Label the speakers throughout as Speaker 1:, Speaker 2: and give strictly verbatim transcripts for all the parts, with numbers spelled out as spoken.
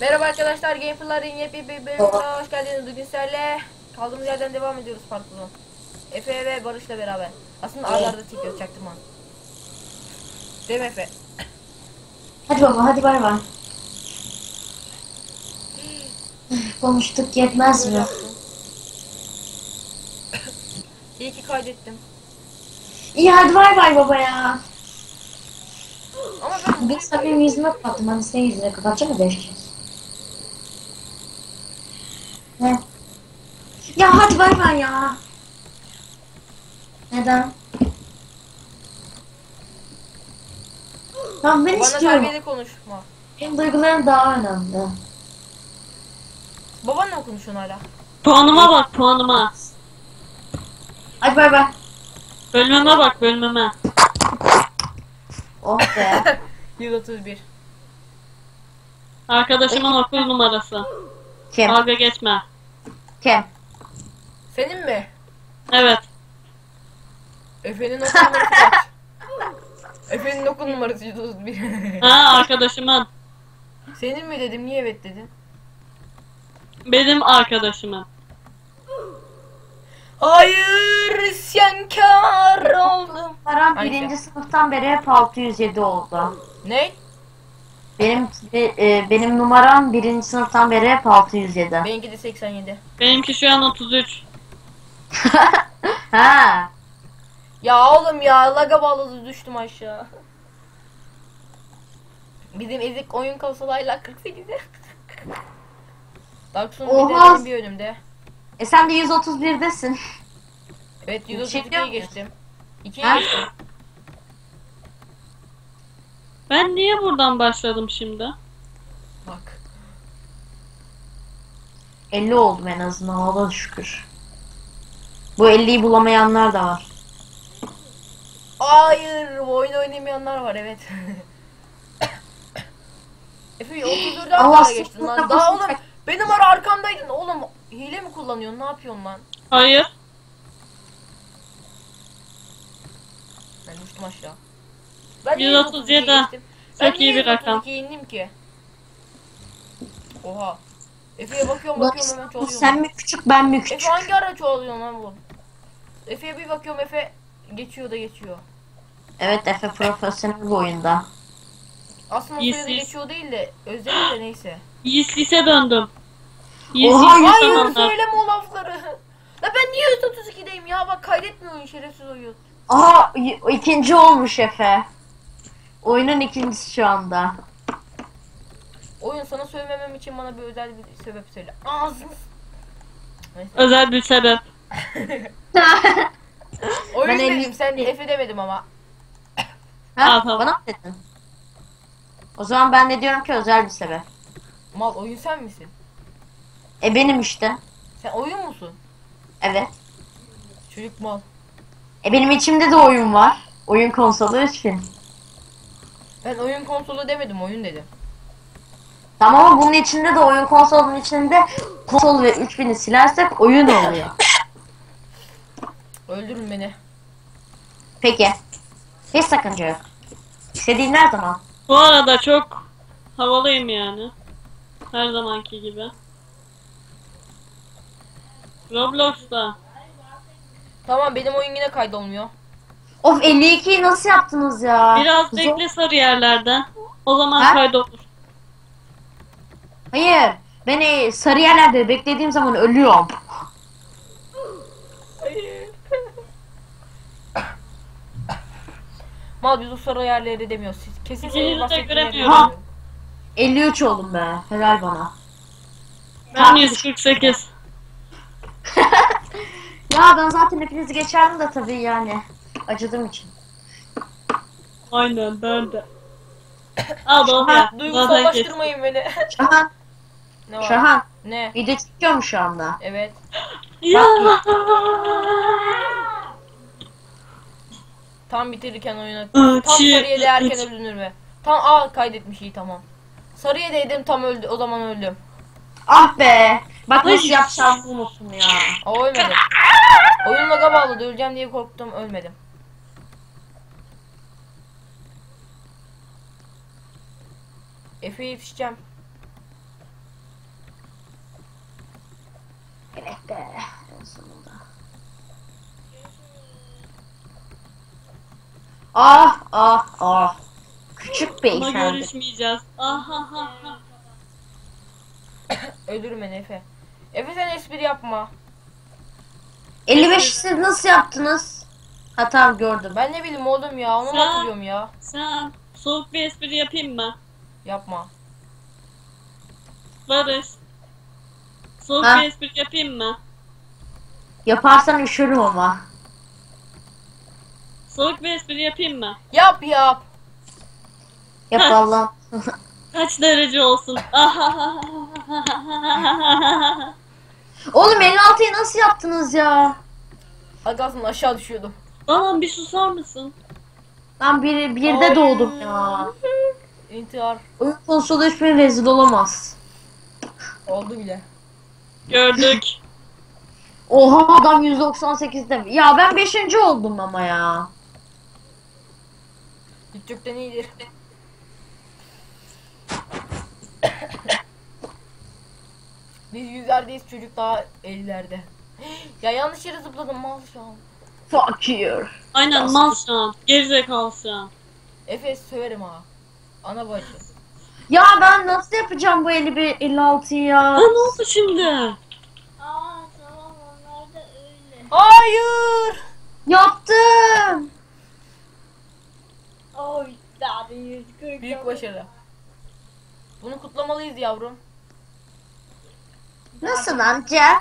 Speaker 1: Merhaba arkadaşlar, Gameplay'ın yepyeni bir bölümüne hoş geldiniz. Bugün sizlerle kaldığımız yerden devam ediyoruz parkurun. Efe ve Barış'la beraber. Aslında arda arda çekiyoruz, çaktırma. Değil mi Efe?
Speaker 2: Hadi baba, hadi bay bay. Konuştuk, yetmez
Speaker 1: Böyle
Speaker 2: mi?
Speaker 1: yaptım. İyi ki kaydettim.
Speaker 2: İyi, hadi bay bay baba ya.
Speaker 1: Ama ben
Speaker 2: Bugün
Speaker 1: bunu
Speaker 2: sana benim yüzüme kapattım. Hani senin yüzüne kapatacağım mı beş kez? Ne? Ya hadi bay bay ya. Neden? Tamam, ben
Speaker 1: Bana
Speaker 2: istiyorum.
Speaker 1: terbiyeli konuşma.
Speaker 2: Benim duygularım daha önemli.
Speaker 1: Babanla mı konuşuyorsun hala?
Speaker 3: Puanıma bak puanıma.
Speaker 2: Hadi bay bay.
Speaker 3: Bölmeme bak bölmeme.
Speaker 2: Oh be.
Speaker 1: yüz otuz bir.
Speaker 3: Arkadaşımın okul numarası.
Speaker 2: Kim?
Speaker 3: Dalga geçme.
Speaker 2: Kim?
Speaker 1: Senin mi?
Speaker 3: Evet.
Speaker 1: Efe'nin okul numarası kaç? Efe'nin okul numarası yüz otuz bir.
Speaker 3: Ha arkadaşımın.
Speaker 1: Senin mi dedim, niye evet dedin?
Speaker 3: Benim arkadaşımın.
Speaker 1: Hayır, isyankar oldum.
Speaker 2: Param
Speaker 1: Hangisi?
Speaker 2: birinci sınıftan beri hep altı yüz yedi oldu.
Speaker 1: Ne?
Speaker 2: Benim e, benim numaram birinci sınıftan beri hep altı yüz yedi.
Speaker 1: Benimki de seksen yedi.
Speaker 3: Benimki şu an otuz üç.
Speaker 2: Ha.
Speaker 1: Ya oğlum ya, laga bağladı, düştüm aşağı. Bizim ezik oyun konsolayla kırk sekizi. Dark Souls bir de
Speaker 2: Oha.
Speaker 1: benim bir önümde.
Speaker 2: E sen de yüz otuz birdesin.
Speaker 1: Evet, yüz otuz
Speaker 2: Çekiyor
Speaker 1: ikiye
Speaker 2: muyuz?
Speaker 1: geçtim. ikiye
Speaker 2: Ha?
Speaker 1: geçtim.
Speaker 3: Ben niye buradan başladım şimdi?
Speaker 1: Bak.
Speaker 2: elli oldum en azından, Allah'a şükür. Bu elliyi bulamayanlar da var.
Speaker 1: Hayır, bu oyunu oynamayanlar var, evet. Efe otuz dörde
Speaker 2: Allah
Speaker 1: arkana geçtin
Speaker 2: sınıfına
Speaker 1: lan. Daha
Speaker 2: basın.
Speaker 1: oğlum benim ara arkamdaydın oğlum. Hile mi kullanıyorsun? Ne yapıyorsun lan?
Speaker 3: Hayır.
Speaker 1: Ben düştüm aşağı. Ben niye
Speaker 3: yüz otuz yedi.
Speaker 1: yüz otuz ikiye geçtim? Ben
Speaker 3: Çok iyi
Speaker 1: niye
Speaker 3: bir rakam.
Speaker 1: yüz otuz ikiye indim ki? Oha. Efe'ye bakıyorum
Speaker 2: Ulan
Speaker 1: bakıyorum hemen çoğalıyorum.
Speaker 2: sen mi küçük, ben mi
Speaker 1: Efe
Speaker 2: küçük?
Speaker 1: hangi ara çoğalıyorsun lan bu? Efe'ye bir bakıyorum, Efe geçiyor da geçiyor.
Speaker 2: Evet, Efe profesyonel bu oyunda.
Speaker 1: Aslında o
Speaker 3: Yes,
Speaker 1: sayıda
Speaker 3: yes.
Speaker 1: geçiyor değil de özledim de neyse.
Speaker 3: Yiğit lise döndüm. Yiğit
Speaker 2: Oha,
Speaker 3: lise
Speaker 1: Hayır,
Speaker 3: zamanlar.
Speaker 1: söyleme o lafları. La ben niye yüz otuz ikideyim ya, bak kaydetmiyor oyun, şerefsiz oyun.
Speaker 2: Aa, y- ikinci olmuş Efe. Oyunun ikincisi şu anda.
Speaker 1: Oyun, sana söylememem için bana bir özel bir sebep söyle. Ağzını s- Neyse.
Speaker 3: Özel bir sebep.
Speaker 1: Oyun
Speaker 2: Ben
Speaker 1: dedim,
Speaker 2: elli-
Speaker 1: sen de Efe demedim ama.
Speaker 2: Ha,
Speaker 3: Al, tamam.
Speaker 2: bana mı dedin? O zaman ben de diyorum ki özel bir sebep.
Speaker 1: Mal, oyun sen misin?
Speaker 2: E benim işte.
Speaker 1: Sen oyun musun?
Speaker 2: Evet.
Speaker 1: Çocuk mal.
Speaker 2: E benim içimde de oyun var. Oyun konsolu üç bin.
Speaker 1: Ben oyun konsolu demedim, oyun dedim.
Speaker 2: Tamam ama bunun içinde de, oyun konsolunun içinde konsol ve üç bini silersek oyun oluyor.
Speaker 1: Öldürün beni.
Speaker 2: Peki. Hiç sakınca yok. İstediğin her zaman.
Speaker 3: Bu arada çok havalıyım yani. Her zamanki gibi. Roblox'ta.
Speaker 1: Tamam, benim oyun yine kaydolmuyor.
Speaker 2: Of, elli ikiyi nasıl yaptınız ya?
Speaker 3: Biraz
Speaker 2: Zor-
Speaker 3: bekle sarı yerlerden. O zaman
Speaker 2: Ha?
Speaker 3: kaydolur.
Speaker 2: Hayır. Ben e, sarı yerlerde beklediğim zaman ölüyorum.
Speaker 1: Hayır. Mal, biz o sarı yerleri demiyoruz. Siz kesin
Speaker 3: İkinizi
Speaker 1: senin
Speaker 3: de
Speaker 1: bahsettiğin
Speaker 3: göremiyorum.
Speaker 1: yerleri
Speaker 2: Ha.
Speaker 1: diyor.
Speaker 2: elli üç oldum be. Helal bana.
Speaker 3: Ben yüz kırk sekiz.
Speaker 2: Ya ben zaten hepinizi geçerdim de tabii yani. Acıdığım için.
Speaker 3: Aynen ben de. Al doğru ya.
Speaker 2: Ha,
Speaker 3: Zaten
Speaker 1: Duygusallaştırmayın beni.
Speaker 2: Şahan.
Speaker 1: Ne var?
Speaker 2: Şahan.
Speaker 1: Ne?
Speaker 2: Video çekiyor mu şu anda?
Speaker 1: Evet.
Speaker 3: geçtim. Ya.
Speaker 1: Tam bitirirken oyunu.
Speaker 3: Aa,
Speaker 1: Tam
Speaker 3: çiğ-
Speaker 1: sarıya değerken
Speaker 3: çiğ-
Speaker 1: ölünür mü? Tam aa kaydetmiş, iyi tamam. Sarıya değdim, tam öldü, o zaman öldüm.
Speaker 2: Ah be. Bak nasıl
Speaker 3: Ay.
Speaker 2: yapacağımı unuttum ya.
Speaker 1: Aa, ölmedim. Oyun laga bağladı, öleceğim diye korktum, ölmedim. Efe'ye yetişeceğim.
Speaker 2: Evet be. En sonunda. Ah ah ah. Küçük
Speaker 3: Ama
Speaker 2: beyefendi.
Speaker 3: görüşmeyeceğiz. Aha ha ha.
Speaker 1: Ölürüm ben Efe. Efe sen espri yapma.
Speaker 2: elli beş siz nasıl yaptınız? Ha tamam gördüm.
Speaker 1: Ben ne bileyim oğlum ya, onu mu
Speaker 3: Sen-
Speaker 1: hatırlıyorum ya.
Speaker 3: Sen soğuk bir espri yapayım mı?
Speaker 1: Yapma.
Speaker 3: Barış. Soğuk
Speaker 2: Ha?
Speaker 3: bir espri yapayım mı?
Speaker 2: Yaparsan üşürüm ama.
Speaker 3: Soğuk bir espri yapayım mı?
Speaker 1: Yap yap.
Speaker 2: Yap
Speaker 3: Ha.
Speaker 2: Allah'ım.
Speaker 3: Kaç derece olsun? Aha.
Speaker 2: Oğlum elli altıyı nasıl yaptınız ya?
Speaker 1: Agasın aşağı düşüyordum.
Speaker 3: Tamam bir susar mısın?
Speaker 2: Ben bir, birde
Speaker 1: Ay.
Speaker 2: doğdum ya.
Speaker 1: İntihar.
Speaker 2: Oyun konsolu hiçbir rezil olamaz.
Speaker 1: Oldu bile.
Speaker 3: Gördük.
Speaker 2: Oha adam yüz doksan sekizde mi? Ya ben beşinci oldum ama ya.
Speaker 1: Hiç yoktan iyidir. Biz yüzlerdeyiz, çocuk daha ellilerde. Ya yanlış yere zıpladım mal şu an.
Speaker 2: Fuck you.
Speaker 3: Aynen mal şu an. Gerizekalı şu an.
Speaker 1: Efe söverim ha. Ana bacı.
Speaker 2: Ya ben nasıl yapacağım bu elli bir elli altıyı ya?
Speaker 3: Ha ne oldu şimdi?
Speaker 4: Aa tamam onlar da öyle.
Speaker 1: Hayır.
Speaker 2: Yaptım.
Speaker 4: Oy daha yüz kırk.
Speaker 1: Büyük başarı. Bunu kutlamalıyız yavrum.
Speaker 2: Nasıl amca?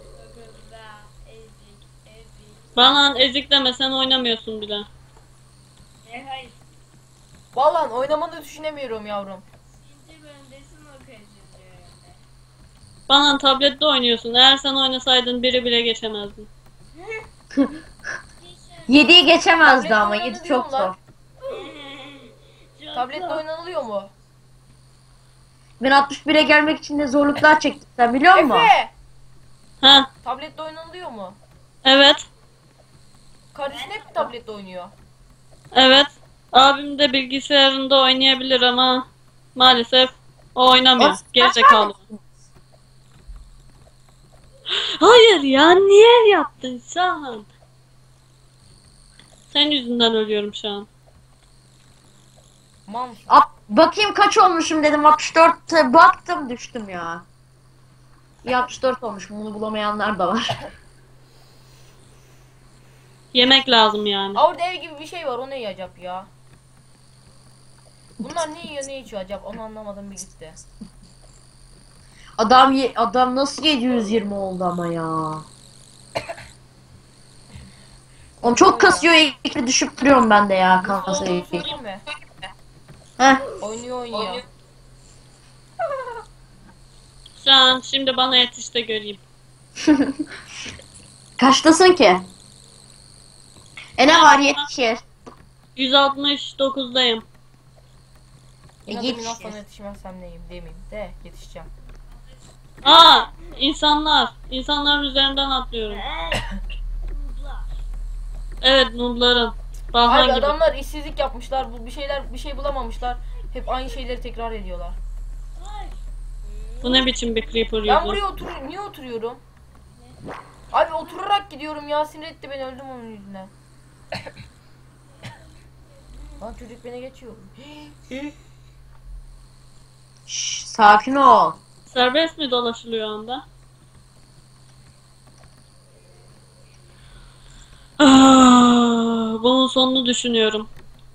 Speaker 4: Ezik ezik.
Speaker 3: Bana ezik deme sen oynamıyorsun bile.
Speaker 4: E hayır.
Speaker 1: Vallahi oynamanı düşünemiyorum yavrum.
Speaker 4: İkinci bölümdesin o kaçıncı bölümde.
Speaker 3: Bana tablette oynuyorsun. Eğer sen oynasaydın biri bile geçemezdin.
Speaker 2: yediyi geçemezdi
Speaker 1: Tabletle
Speaker 2: ama
Speaker 1: oynanır
Speaker 2: yedi çok
Speaker 1: diyorlar.
Speaker 2: zor.
Speaker 4: Çok
Speaker 1: Tabletle
Speaker 4: zor.
Speaker 1: oynanılıyor mu?
Speaker 2: Ben altmış bire gelmek için de zorluklar çektim sen biliyor musun?
Speaker 1: Efe!
Speaker 3: Ha
Speaker 1: Tabletle oynanılıyor mu?
Speaker 3: evet.
Speaker 1: Kardeşin hep tablette oynuyor.
Speaker 3: Evet. Abim de bilgisayarında oynayabilir ama maalesef o oynamıyor.
Speaker 2: Of,
Speaker 3: Gerizekalı. Hayır ya niye yaptın Şahan? Senin yüzünden ölüyorum şu an.
Speaker 1: Mal mısın?
Speaker 2: At, bakayım kaç olmuşum dedim altmış dörtte baktım düştüm ya. İyi altmış dört olmuşum bunu bulamayanlar da var.
Speaker 3: Yemek lazım yani.
Speaker 1: Aa, orada ev gibi bir şey var, o ne acaba ya? Bunlar ne yiyor ne içiyor acaba, onu anlamadım bir gitti.
Speaker 2: Adam ye- adam nasıl yedi yüz yirmi oldu ama ya. Onu çok kasıyor ilk düşüp duruyorum ben de ya
Speaker 1: Nasıl
Speaker 2: kasayı.
Speaker 1: olduğunu söyleyeyim mi?
Speaker 2: Heh.
Speaker 1: Oynuyor oynuyor.
Speaker 3: Şu an şimdi bana yetiş de göreyim.
Speaker 2: Kaçtasın ki? E ne var yetişir.
Speaker 3: yüz altmış dokuzdayım.
Speaker 1: İnadım
Speaker 2: Yetişir.
Speaker 1: inan sana yetişmezsem neyim demeyeyim de yetişeceğim.
Speaker 3: Aa insanlar. İnsanların üzerinden atlıyorum. Evet nooblarım. Bahar
Speaker 1: Abi
Speaker 3: gibi.
Speaker 1: adamlar işsizlik yapmışlar, bu bir şeyler bir şey bulamamışlar. Hep aynı şeyleri tekrar ediyorlar.
Speaker 3: Bu ne biçim bir creeper
Speaker 1: Ben
Speaker 3: yüzü?
Speaker 1: buraya otur niye oturuyorum? Abi oturarak gidiyorum ya, sinir etti beni, öldüm onun yüzünden. Lan çocuk beni geçiyor.
Speaker 2: Şş, sakin ol.
Speaker 3: Serbest mi dolaşılıyor anda? Ah, bunun sonunu düşünüyorum.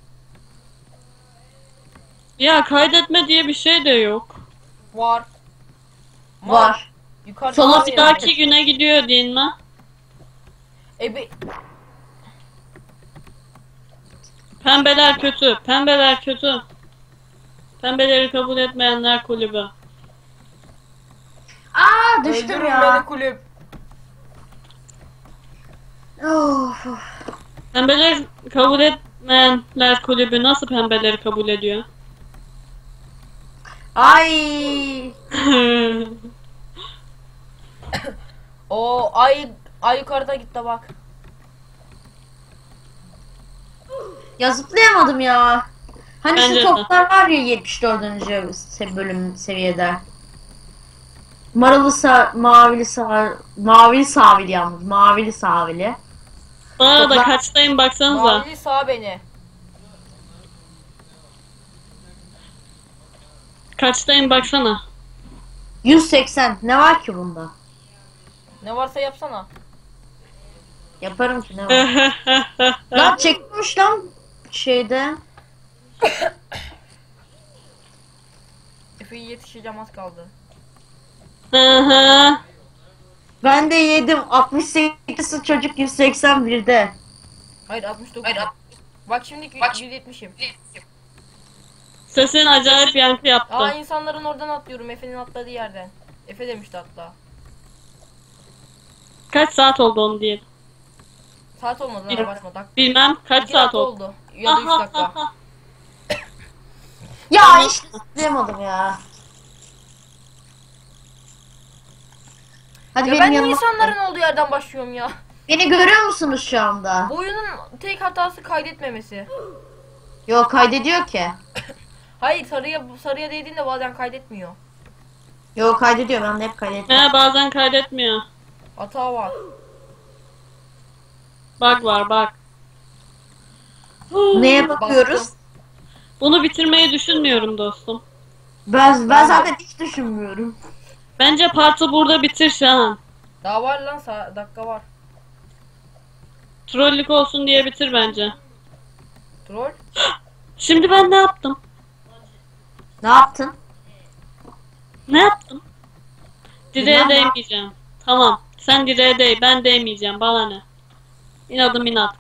Speaker 3: Ya kaydetme diye bir şey de yok.
Speaker 1: Var.
Speaker 2: Var.
Speaker 1: Yukarıda
Speaker 2: Sola
Speaker 1: var
Speaker 2: bir
Speaker 1: ya.
Speaker 3: Daki güne gidiyor değil mi?
Speaker 1: E be-
Speaker 3: Pembeler kötü. Pembeler kötü. Pembeleri kabul etmeyenler kulübü.
Speaker 2: Aa düştüm
Speaker 1: öldürün
Speaker 2: ya.
Speaker 1: beni kulüp.
Speaker 2: Of.
Speaker 3: Pembeleri kabul etmeyenler kulübü nasıl pembeleri kabul ediyor?
Speaker 2: Ay.
Speaker 1: O ay ay yukarıda gitti bak.
Speaker 2: Ya zıplayamadım ya. Hani
Speaker 3: Bence de.
Speaker 2: şu toplar var ya yetmiş dördüncü se- bölüm seviyede. Maralı sa mavili sa mavili sahili yalnız. Mavili sahili.
Speaker 3: Bu arada
Speaker 2: Topla-
Speaker 3: kaçtayım baksanıza.
Speaker 1: Mavili sağ beni.
Speaker 3: Kaçtayım baksana.
Speaker 2: yüz seksen. Ne var ki bunda?
Speaker 1: Ne varsa yapsana.
Speaker 2: Yaparım ki ne var? Lan çekmiş lan şeyde.
Speaker 1: Efe'ye yetişeceğim, az kaldı.
Speaker 3: Hı hı.
Speaker 2: Ben de yedim. altmış sekiz çocuk yüz seksen birde.
Speaker 1: Hayır altmış dokuz. Hayır, bak şimdi yüz yetmişim.
Speaker 3: Sesin acayip yankı
Speaker 1: Aa,
Speaker 3: yaptı.
Speaker 1: insanların oradan atlıyorum, Efe'nin atladığı yerden. Efe demişti hatta.
Speaker 3: Kaç saat oldu onu diye.
Speaker 1: Saat olmadı lan, abartma. Dak
Speaker 3: Bilmem kaç
Speaker 1: iki
Speaker 3: saat
Speaker 1: dakika
Speaker 3: oldu.
Speaker 1: oldu. Ya da üç
Speaker 3: Aha,
Speaker 1: dakika.
Speaker 3: aha.
Speaker 2: Ya işte zıplayamadım ya. Hadi
Speaker 1: Ya
Speaker 2: benim
Speaker 1: ben niye
Speaker 2: yanıma.
Speaker 1: insanların olduğu yerden başlıyorum ya?
Speaker 2: Beni görüyor musunuz şu anda?
Speaker 1: Bu oyunun tek hatası kaydetmemesi.
Speaker 2: Yok kaydediyor ki.
Speaker 1: Hayır, sarıya sarıya değdiğinde bazen kaydetmiyor.
Speaker 2: Yok kaydediyor, ben de hep kaydediyorum.
Speaker 3: He, bazen kaydetmiyor.
Speaker 1: Hata var.
Speaker 3: Bug var bak.
Speaker 2: Neye bakıyoruz?
Speaker 3: Bunu bitirmeyi düşünmüyorum dostum.
Speaker 2: Ben, ben zaten hiç düşünmüyorum.
Speaker 3: Bence partı burada bitir Şahan.
Speaker 1: Daha var lan, sa- dakika var.
Speaker 3: Trollük olsun diye bitir bence.
Speaker 1: Troll.
Speaker 3: Şimdi ben ne yaptım?
Speaker 2: Ne yaptın?
Speaker 3: Ne yaptım? Direğe
Speaker 2: Bilmem ne.
Speaker 3: değmeyeceğim. Tamam. Sen direğe değ. Ben değmeyeceğim. Bana ne? İnadım inat.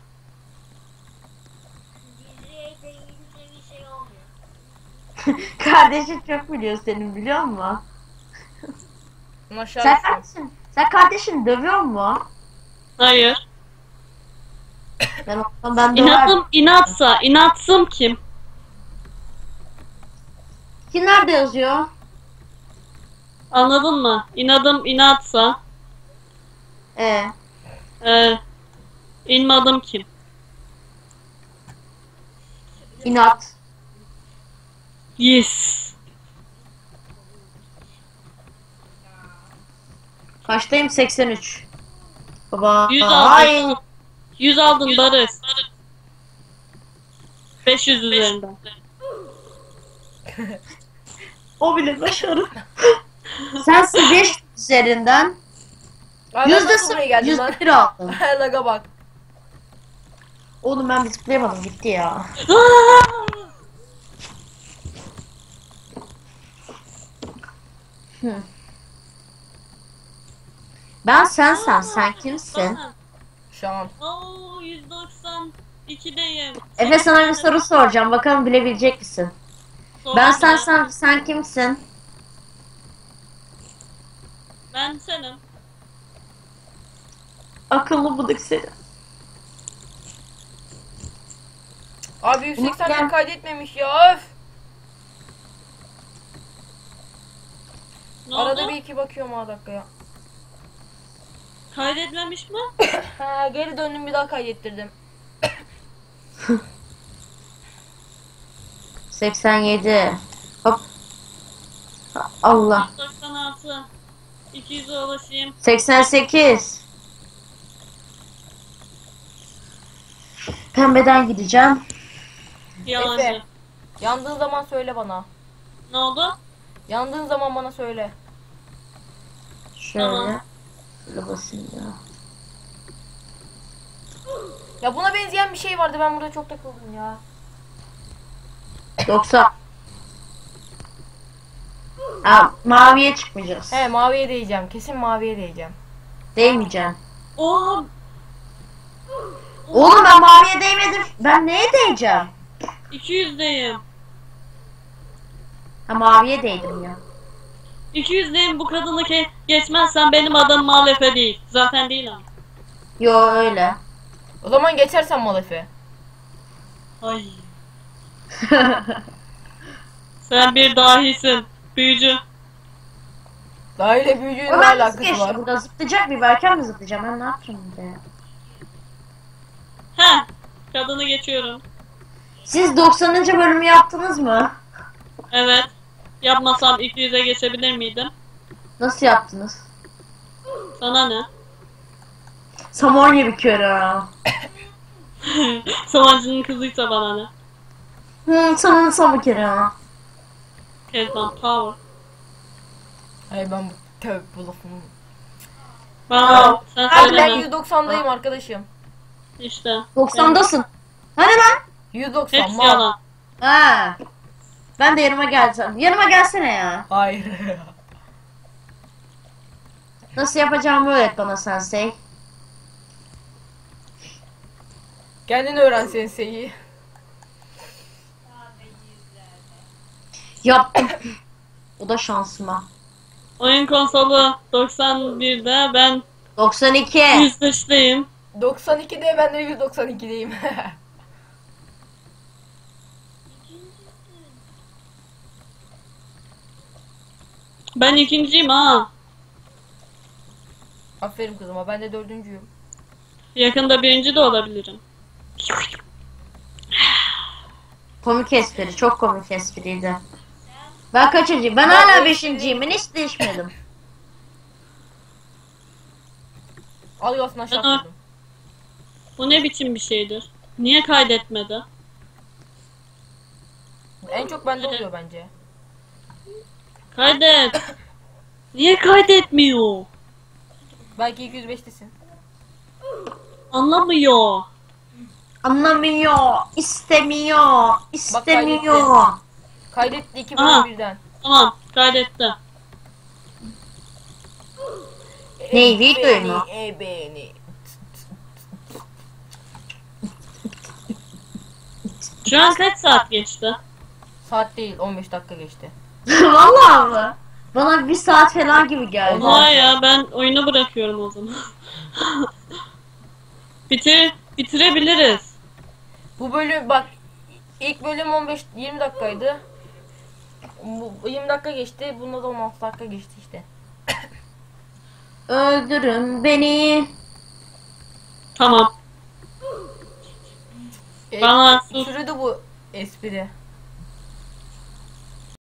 Speaker 4: Diziye deyince bir şey olmuyor.
Speaker 2: Kardeşin çok biliyor senin, biliyor musun?
Speaker 1: Bunu aşağı
Speaker 2: Sen
Speaker 1: düştüm.
Speaker 2: kardeşin, sen kardeşini dövüyor mu?
Speaker 3: Hayır.
Speaker 2: Ben o ben döver.
Speaker 3: İnatım inatsa. İnatsım kim?
Speaker 2: Ki nerede yazıyor?
Speaker 3: Anladın mı? İnadım inatsa.
Speaker 2: Ee,
Speaker 3: E, inmadım kim?
Speaker 2: inat.
Speaker 3: Yes.
Speaker 2: Kaçtayım? seksen üç. Baba.
Speaker 3: yüz
Speaker 2: Ay.
Speaker 3: aldın. yüz aldın Barış. beş yüz üzerinden.
Speaker 2: O bile başarı. Sensin beş üzerinden.
Speaker 1: Ay, ben
Speaker 2: Yüzde
Speaker 1: nasıl buraya geldim lan?
Speaker 2: yüzde bir aldın.
Speaker 1: Laga bak.
Speaker 2: Oğlum ben bir zıplayamadım, gitti ya. Hı. Ben sensen, sen kimsin?
Speaker 1: Şu an.
Speaker 3: Oo, yüz doksan ikideyim.
Speaker 2: Efe, sana bir soru soracağım, bakalım bilebilecek misin?
Speaker 3: Sor
Speaker 2: Ben
Speaker 3: bana.
Speaker 2: sensen, sen kimsin?
Speaker 3: Ben senim.
Speaker 2: Akıllı bulduk seni.
Speaker 1: Abi yüz seksen
Speaker 2: Gel.
Speaker 1: bir kaydetmemiş ya, öf.
Speaker 3: Ne
Speaker 1: Arada
Speaker 3: oldu?
Speaker 1: bir iki bakıyorum ha dakikaya.
Speaker 3: Kaydetmemiş mi?
Speaker 1: Ha, geri döndüm, bir daha kaydettirdim.
Speaker 2: seksen yedi. Hop. Allah.
Speaker 3: yüz doksan altı. iki yüze ulaşayım.
Speaker 2: seksen sekiz. Pembeden gideceğim.
Speaker 3: Yalancı.
Speaker 1: Efe. Yandığın zaman söyle bana.
Speaker 3: Ne oldu?
Speaker 1: Yandığın zaman bana söyle.
Speaker 2: Şöyle.
Speaker 3: Tamam.
Speaker 2: Şöyle basayım ya.
Speaker 1: Ya buna benzeyen bir şey vardı, ben burada çok takıldım ya.
Speaker 2: doksan. Aa, maviye çıkmayacağız.
Speaker 1: He, maviye değeceğim. Kesin maviye değeceğim.
Speaker 2: Değmeyeceğim.
Speaker 3: Oha.
Speaker 2: Oğlum ben maviye değmedim. Ben neye değeceğim?
Speaker 3: iki yüzdeyim.
Speaker 2: Ha, maviye değdim ya.
Speaker 3: iki yüzdeyim, bu kadını ke geçmezsen benim adım Malefe değil. Zaten değil ama.
Speaker 2: Yo öyle.
Speaker 1: O zaman geçersen mal Efe.
Speaker 3: Ay. Sen bir dahisin. Büyücü.
Speaker 1: Daha ile büyücüğün ne
Speaker 2: O ben nasıl
Speaker 1: alakası
Speaker 2: geçtim?
Speaker 1: var?
Speaker 2: Burada zıplayacak bir erken mi zıplayacağım? Ben ne yapacağım burada ya?
Speaker 3: Heh. Kadını geçiyorum.
Speaker 2: Siz doksanıncı bölümü yaptınız mı?
Speaker 3: Evet. Yapmasam iki yüze geçebilir miydim?
Speaker 2: Nasıl yaptınız?
Speaker 3: Sana ne?
Speaker 2: Samonya bir kere.
Speaker 3: Savancının kızıysa bana ne?
Speaker 2: Hı, sana son bir kere.
Speaker 3: Kezban power.
Speaker 1: Hayır ben bu tövbe bu lafımı.
Speaker 3: Bana sen
Speaker 1: Abi ben
Speaker 3: söyleme.
Speaker 1: yüz doksandayım arkadaşım.
Speaker 3: İşte.
Speaker 2: doksandasın. Hani lan?
Speaker 1: yüz doksan
Speaker 3: Hepsi
Speaker 1: mal.
Speaker 3: yalan.
Speaker 2: Ha. Ben de yanıma geleceğim. Yanıma gelsene ya.
Speaker 1: Hayır.
Speaker 2: Nasıl yapacağımı öğret bana sensei.
Speaker 1: Kendin öğren senseyi.
Speaker 2: Yaptım. O da şansıma.
Speaker 3: Oyun konsolu doksan birde, ben
Speaker 2: doksan iki.
Speaker 3: yüz beşteyim.
Speaker 1: doksan ikide ben de yüz doksan ikideyim.
Speaker 3: Ben ikinciyim ha.
Speaker 1: Aferin kızıma ben de dördüncüyüm.
Speaker 3: Yakında birinci de olabilirim.
Speaker 2: Komik espri. Çok komik espriydi. Ben kaçıncıyım? Ben hala beşinciyim. Ben hiç değişmedim.
Speaker 1: Al yasına
Speaker 3: Aa.
Speaker 1: şapladım.
Speaker 3: Bu ne biçim bir şeydir? Niye kaydetmedi?
Speaker 1: En çok bende oluyor bence.
Speaker 3: Kaydet. Niye kaydetmiyor?
Speaker 1: Belki iki yüz beştesin.
Speaker 3: Anlamıyor.
Speaker 2: Anlamıyor. İstemiyor. İstemiyor.
Speaker 1: Kaydetti iki
Speaker 3: Aha.
Speaker 1: bölüm birden.
Speaker 3: Tamam, kaydetti.
Speaker 2: Ne, videoyu mu?
Speaker 1: E beni.
Speaker 3: Şu an kaç saat geçti?
Speaker 1: Saat değil on beş dakika geçti.
Speaker 2: Vallahi mı? Bana bir saat falan gibi geldi.
Speaker 3: Oha ya, ben oyunu bırakıyorum o zaman. Bitir, bitirebiliriz.
Speaker 1: Bu bölüm bak ilk bölüm on beş yirmi dakikaydı. Bu yirmi dakika geçti. Bunda da on altı dakika geçti işte.
Speaker 2: Öldürün beni.
Speaker 3: Tamam.
Speaker 1: E,
Speaker 3: Bana sus.
Speaker 1: sürdü bu espri.